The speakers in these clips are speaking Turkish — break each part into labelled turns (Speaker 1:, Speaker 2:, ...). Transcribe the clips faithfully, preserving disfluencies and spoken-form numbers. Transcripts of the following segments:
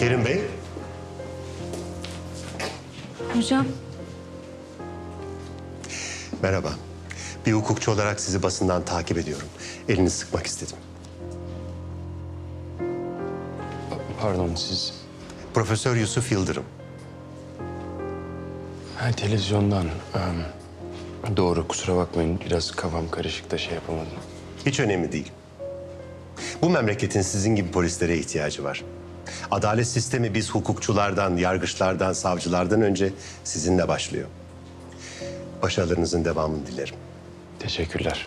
Speaker 1: Kerim Bey,
Speaker 2: Hocam,
Speaker 1: merhaba. Bir hukukçu olarak sizi basından takip ediyorum. Elinizi sıkmak istedim.
Speaker 3: Pardon siz...
Speaker 1: Profesör Yusuf Yıldırım.
Speaker 3: Ha, televizyondan. Em, doğru, kusura bakmayın. Biraz kafam karışık da şey yapamadım.
Speaker 1: Hiç önemli değil. Bu memleketin sizin gibi polislere ihtiyacı var. Adalet sistemi biz hukukçulardan, yargıçlardan, savcılardan önce sizinle başlıyor. Başarılarınızın devamını dilerim.
Speaker 3: Teşekkürler.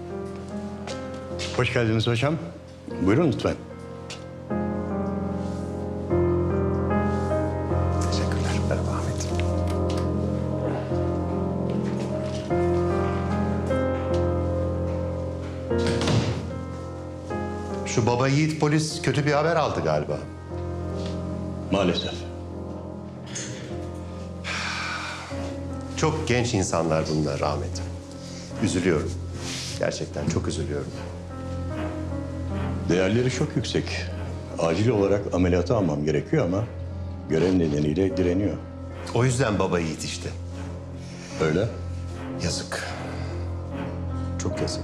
Speaker 4: Hoş geldiniz hocam. Buyurun lütfen.
Speaker 1: Teşekkürler. Merhaba Ahmet. Şu baba yiğit polis kötü bir haber aldı galiba.
Speaker 4: Maalesef.
Speaker 1: Çok genç insanlar bunlar Ahmet. Üzülüyorum. Gerçekten çok üzülüyorum.
Speaker 4: Değerleri çok yüksek. Acil olarak ameliyata almam gerekiyor ama görev nedeniyle direniyor.
Speaker 1: O yüzden baba yiğit işte.
Speaker 4: Öyle.
Speaker 1: Yazık. Çok yazık.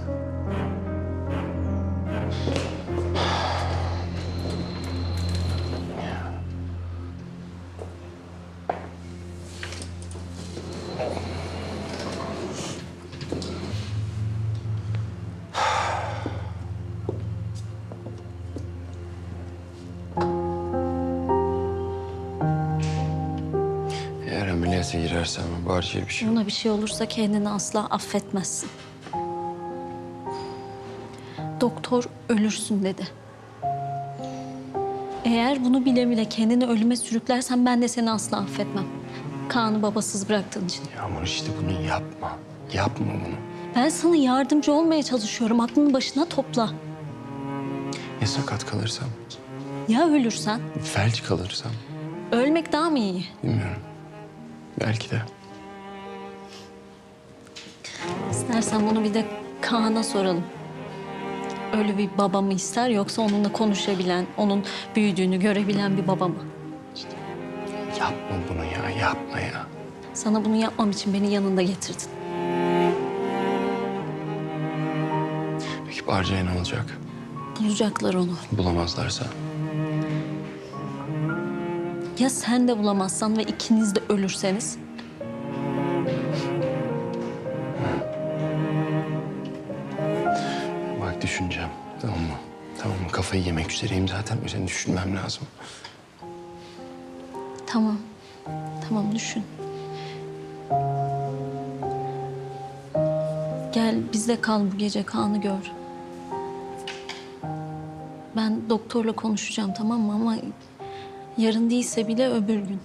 Speaker 3: Eğer ameliyata girersem Barca'ya bir şey olur.
Speaker 2: ona bir şey olursa kendini asla affetmezsin. Doktor ölürsün dedi. Eğer bunu bile bile kendini ölüme sürüklersen ben de seni asla affetmem. Kaan'ı babasız bıraktığın için.
Speaker 3: Yağmur işte bunu yapma. Yapma bunu.
Speaker 2: Ben sana yardımcı olmaya çalışıyorum. Aklını başına topla.
Speaker 3: Ya sakat kalırsam?
Speaker 2: Ya ölürsen?
Speaker 3: Felç kalırsam?
Speaker 2: Ölmek daha mı iyi?
Speaker 3: Bilmiyorum. Belki de.
Speaker 2: İstersen bunu bir de Kaan'a soralım. Ölü bir baba mı ister yoksa onunla konuşabilen, onun büyüdüğünü görebilen bir baba mı?
Speaker 3: Yapma bunu ya, yapma ya.
Speaker 2: Sana bunu yapmam için beni yanında getirdin.
Speaker 3: Peki Barca'ya ne olacak?
Speaker 2: Bulacaklar onu.
Speaker 3: Bulamazlarsa?
Speaker 2: Ya sen de bulamazsan ve ikiniz de ölürseniz?
Speaker 3: Bak düşüneceğim. Tamam mı? Tamam mı? Kafayı yemek üzereyim zaten. Üzerine düşünmem lazım.
Speaker 2: Tamam. Tamam düşün. Gel bizde kal bu gece, Kaan'ı gör. Ben doktorla konuşacağım, tamam mı? Ama yarın değilse bile öbür gün.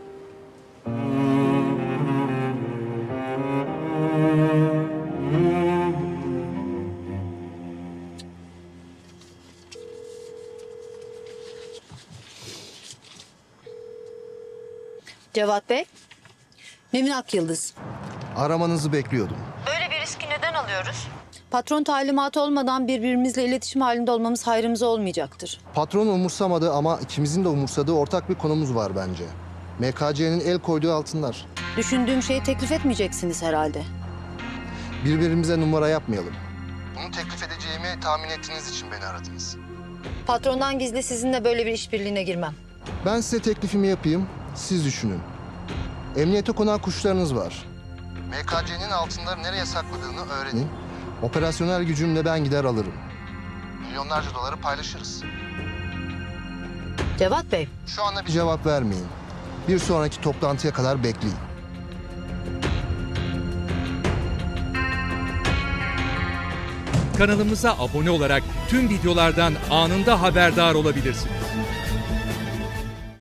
Speaker 5: Cevat Bey, Nevin Akyıldız.
Speaker 6: Aramanızı bekliyordum.
Speaker 5: Böyle bir riski neden alıyoruz? Patron talimatı olmadan birbirimizle iletişim halinde olmamız hayrımıza olmayacaktır.
Speaker 6: Patron umursamadı ama ikimizin de umursadığı ortak bir konumuz var bence. M K C'nin el koyduğu altınlar.
Speaker 5: Düşündüğüm şeyi teklif etmeyeceksiniz herhalde.
Speaker 6: Birbirimize numara yapmayalım. Bunu teklif edeceğimi tahmin ettiğiniz için beni aradınız.
Speaker 5: Patrondan gizli sizinle böyle bir işbirliğine girmem.
Speaker 6: Ben size teklifimi yapayım, siz düşünün. Emniyete konan kuşlarınız var. M K C'nin altınları nereye sakladığını öğrenin. Operasyonel gücümle ben gider alırım. Milyonlarca doları paylaşırız.
Speaker 5: Cevat Bey,
Speaker 6: Şu anda bir cevap vermeyin. Bir sonraki toplantıya kadar bekleyin.
Speaker 7: Kanalımıza abone olarak tüm videolardan anında haberdar olabilirsiniz.